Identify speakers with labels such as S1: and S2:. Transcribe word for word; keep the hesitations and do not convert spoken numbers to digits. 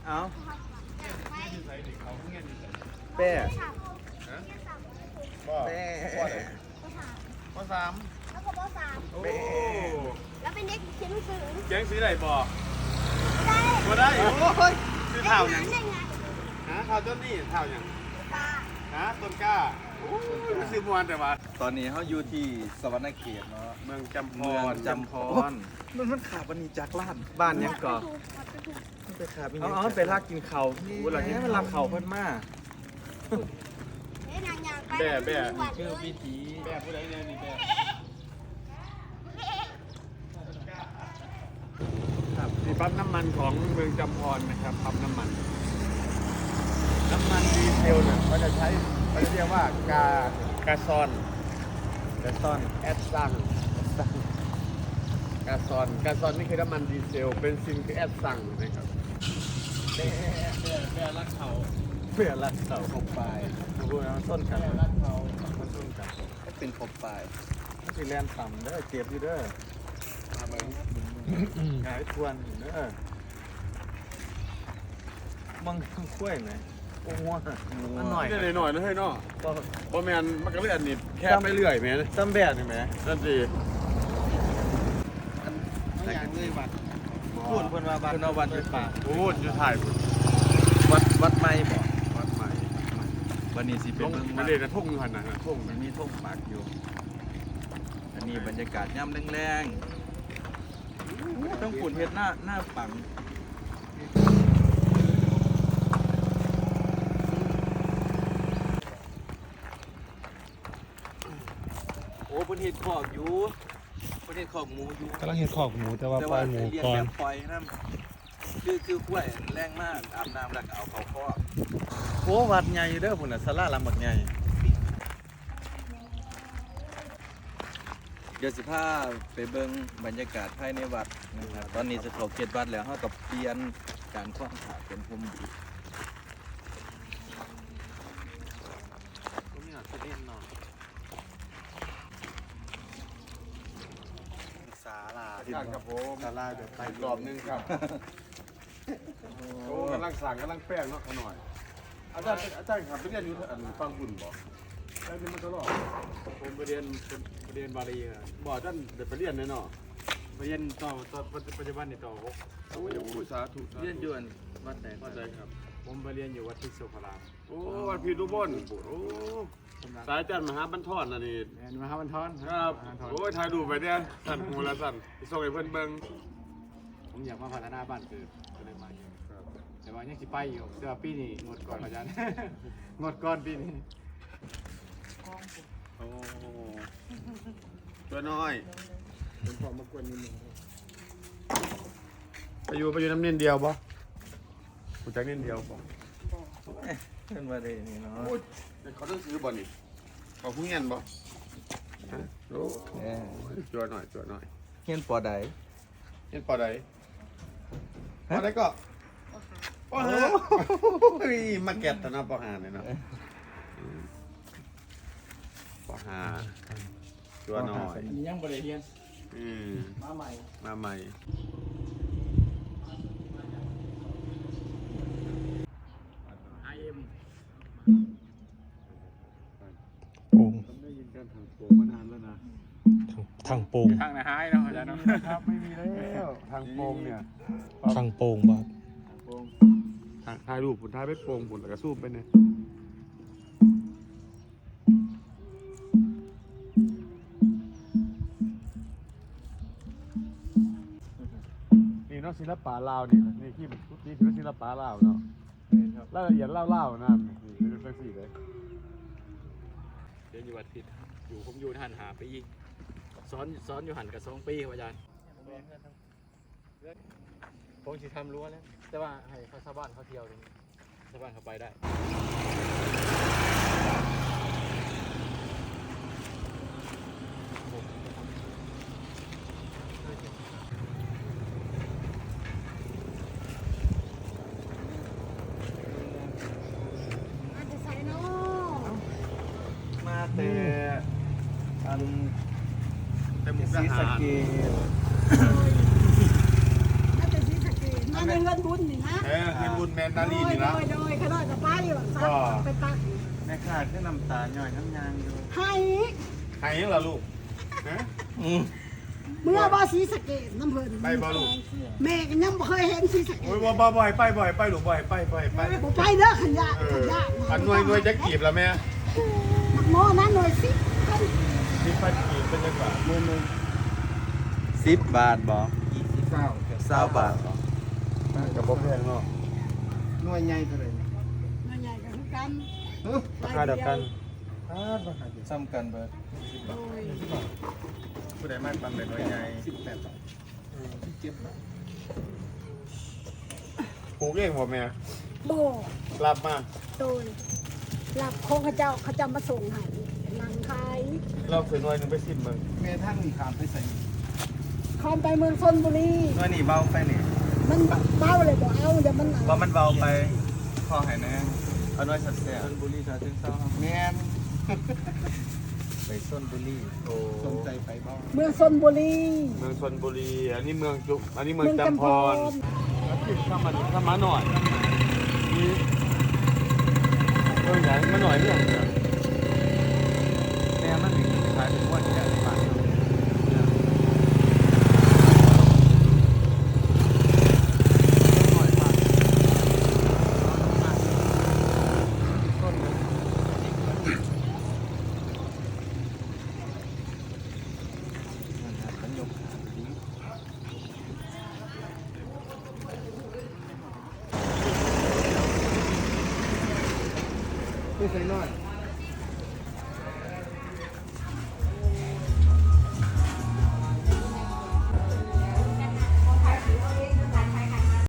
S1: เอา
S2: แ
S1: เป้
S2: บ่
S1: เป้
S2: ข้อสาม
S3: แล้วก็ปสาม
S2: โอ้
S3: แล้วเป็นเด็กเขียนหนังสือ
S2: แจ้งซื้อไหนบ่
S3: ได้
S2: บ่ได้โอ้ยซื้อเท่าห
S3: ยั
S2: ยัง ง
S3: ได้ไง
S2: ฮะเท่าต้นนี่เท่าหยัง
S3: ตา
S2: ฮะต้นกล้าโอ้ยมันซื้อมวนแต่ว่า
S1: ตอนนี้เขาอยู่ที่สวรรณเขตเนาะ
S2: เมืองจำพ
S1: เมือง
S2: ร
S1: จำพรมันมันขาบันนี้จากล้านบ้านยังก่อไปขาเอาเอาไปลากกินเขานี่มันลากเขาเพิ่นมา
S3: เฮ้ยนางยางไป
S2: แบ่แบ่
S1: ชื่อวิธี
S2: แบ่ผู้ใดเนี่ยนี่แบ่ครับนี่ปั๊มน้ำมันของเมืองจำพรนะครับปั๊มน้ำมัน น้ำมันดีเซลเนี่ยเขาจะใช้เขาจะเรียกว่ากากาซอน
S1: กระซ่อน
S2: แอดซังกาซอนกาซอนนี่คือน้ำมันดีเซลเบนซินคือแอดซังนะครับแบ่แบ่แบ่รักเขา
S1: เพื่อลักเสาคบปลายดูนะต้นกัน
S2: แบ่รักเขา
S1: มันต้นกันก็เป็นคบปลายมันสิแลนต่ำเด้อเจ็บอยู่เด้อ
S2: มาเบิ่ง
S1: หายทวนอยู่เด้อมังคุ้ยไหมโอ้โหมันหน่อย
S2: นิดหน่อยนะเฮ้ยเนาะ
S1: ก็
S2: บ่แมนมันก็เลื่อนนิดแค่ไม่เลื่อยแม่น
S1: ตำแบดนี่ไหม
S2: นั่นสิ
S1: แต่กันเลยวัดพูดเพิ่นว่าวัดเพิ่นว่าวัดเป็นป่า
S2: โอ้ยอยู่ถ่ายพุ่น
S1: วัดวัดไม่บ่
S2: วัดใหม่
S1: วันนี้สิเป็น
S2: ลง
S1: เมือง
S2: มั
S1: วั
S2: น
S1: ด
S2: เรียกกระทุ่งหันนะทุ่ง
S1: มันมีทุ่งปักอยู่ อันนี้บรรยากาศย่ำแรงๆต้องฝุ่นเฮ็ดหน้าหน้าปังโอ้เพิ่นเฮ็ดคอกอยู่เพิ่นเฮ็ดคอกหมูอยู่
S4: กำลังเห็นขอกหมูแต่ว่า
S1: แต่
S4: ปล่
S1: ว่า
S4: อยหมู
S1: เลี้ยง
S4: ก่อ
S1: แบ
S4: น
S1: บปล่อยนั่นคือคือกล้วยแรงมากอาบน้ำแล้วก็เอาเขาคอกโอ้วัดใหญ่เด้อพุ่นน่ะศาลาหลังบักใหญ่เดี๋ยวสิพาไปเบิ่งบรรยากาศภายในวัดนะครับตอนนี้จะเข้าเขตวัดแล้วเฮาก็เปลี่ยนการคล้องขาเป็นพรมดี
S4: ศาลา
S2: ท่านครับผมดาราเดี๋ยวไปรอบนึงครับโอ้กำลังสั่งกำลังแป้งเนาะขน่อยอาจารย์อาจารย์ครับไปเรียนอยู่อันฟังบุญบ่ได้นี่มันตลอดผมไปเรียนไปเรียนบาลีนะบ่ท่านเดี๋ยวไปเรียนแน่เนาะ
S5: ไปเรียนต่อต่อปัจจุบันนี่ต่อหก
S2: โอ้ยสาธุ
S1: เรียนอยู่อันวัดไหน
S2: เข้าใจครับ
S5: ผมไปเรียนอยู่วัดทิศสุขาราม
S2: โอ้วันพีรุบนโอ้สายอาจารย์มหาบรรทอนน่ะนี่
S5: แม่นมหาบรรทอน
S2: ครับ
S5: มหาบรรทอน
S2: โอ้ยถ่ายรูปไปเนี่ยสั่นหูละสั่นส่งให้เพิ่นเบิ่ง
S5: ผมอยากมาพัฒนาบ้านเกิดก็เลยมาอยู่แต่ว่ายังสิไปอยู่แต่ว่าปีนี้งดก่อนอาจารย์ งดก่อนปีนี้
S2: โอ้ตัวน้อยเป็นพอมากวนนิดนึงไปอยู่ไปอยู่น้ำเนียนเดียวบ่กูจักเนียนเดียวบ่
S1: เป็นว่าได้นี่เนาะ
S2: โอ้ยเขาต้องซื้อบ่นี่เขาผู้เงียนบ่ฮะโอ้
S1: เอ้ย
S2: จัวหน่อยจัวหน่อย
S1: เฮียนปอใด
S2: เห็นปอใดปอใดก็ปอหาโอ้ยมาแกะตะนะปอหาเนี่ยเนาะปอหาจัวหน่อย
S5: ยังบริเรียน
S2: อืม
S5: มาใหม่
S2: มาใหม่
S5: ไอเอ็ม
S4: โป่ง
S2: ผมได้ยินการทางโป่งมานานแล้วนะ
S4: ทางโป่ง
S5: ทางไหนหายเนาะอาจารย์เนาะ
S2: ครับไม่มีแล้วทางโป่งเนี่ย
S4: ทางโป่งบ่
S2: ทางโป่งทางถ่ายรูปผลถ่ายไปโป่งผลแล้วก็ซูมไปเนี่ยนี่เนาะศิลปะลาวนี่นี่ที่นี่คือศิลปะลาวเนาะรายละเอียดเล่าๆนั่นนี่เป็นเรื่องสี่เลย
S5: เรียนอยู่วัดทิศอยู่ผมอยู่หันหาปีสอนสอนอยู่หันกับสองปีครับอาจารย์ผมสิทำรั้วแล้วแต่ว่าให้เขาชาวบ้านเขาเที่ยวตรงนี้ชาวบ้านเขาไปได้
S3: อาจจะใส่โน่
S1: มาแต่อัน
S2: แต่หมุก
S1: ศรี
S2: ทหา
S1: สะ
S2: ร
S1: เกษ
S3: อาจจะซีสะเกตมา
S6: ในเงินบุญนี่นะ
S2: เออเงินบุญแมนนาลีนี่นะ
S6: โดยโดยขนาดจะไปอยู่ซักไปตัก
S1: แม่ขาดขึ้นน้ำตาหน่อยน้ำยางอยู่
S6: ให้
S2: หายยังเหรอลูกฮะ
S1: อืม
S6: เมื่อบ่สีสะเกตน้ำเพลิน
S2: ไปบ่ลูก
S6: แม่ก็ยังบ่เคยเห็นสีสะเก
S2: โอ้ย
S6: ต
S2: บ่บ่บ่อยไปบ่อยไปลูกบ่อยไปบ่อยไป
S6: บ่ไปเด้อขันยา
S2: เอ
S6: ขั
S2: อน
S6: ยา
S2: อันหน่วยหน่วยจะกีบแล้วแม่
S6: นักโมนั้นหน่วยสิ
S2: มีพันกีบเป็นยังไงมือนึง
S1: สิบบาทบ่
S2: ยี่สิบเก้า
S1: เศร้าบาทบ่
S2: กับบ่แพงเนาะ
S1: หน่วยใหญ่เท่าไหร่
S6: หน่วยใหญ่ก็คือกัน
S4: ราคาเดียวกัน
S1: ซ้ำกันเบิด
S6: โดย
S1: ผู้ใดมากบางเลยหน่วยใหญ่สิบแปดบาท
S2: ปลูกเองบ่แม่
S6: บ่
S2: รับมา
S6: โดยรับของเขาเจ้าเขาจะมาส่งให้นางขาย
S2: เราถือหน่วยหนึงไปสิบมึง
S1: แม่ท่านมีขามไปใส่
S6: คอมไปเมืองชนบุรี
S1: หน่วยนี่เบาไปนี่
S6: มันเบาเลยบ่เอาเดี๋ยวมัน
S1: ว่ามันเบาไปพอหายแน่เอาหน่วยสัตว์แซ่บชลบุรีชาเชิงเซาครับแม่นไปชลบุรีโอ้สนใจไปบ้าง
S6: เมืองชนบุรี
S2: เมืองชนบุรีอันนี้เมืองจุอันนี้เมือง
S6: เมือง
S2: จำ
S6: จำ
S2: พ
S6: พ
S2: ร
S6: ร
S2: ถ้ามันถ้ามาหน่อยนี่เออใหญ่มาหน่อยเนี่ย
S1: แม่มันมีขายเป็นวันแค่บาท
S2: ไม่ใช่น้อย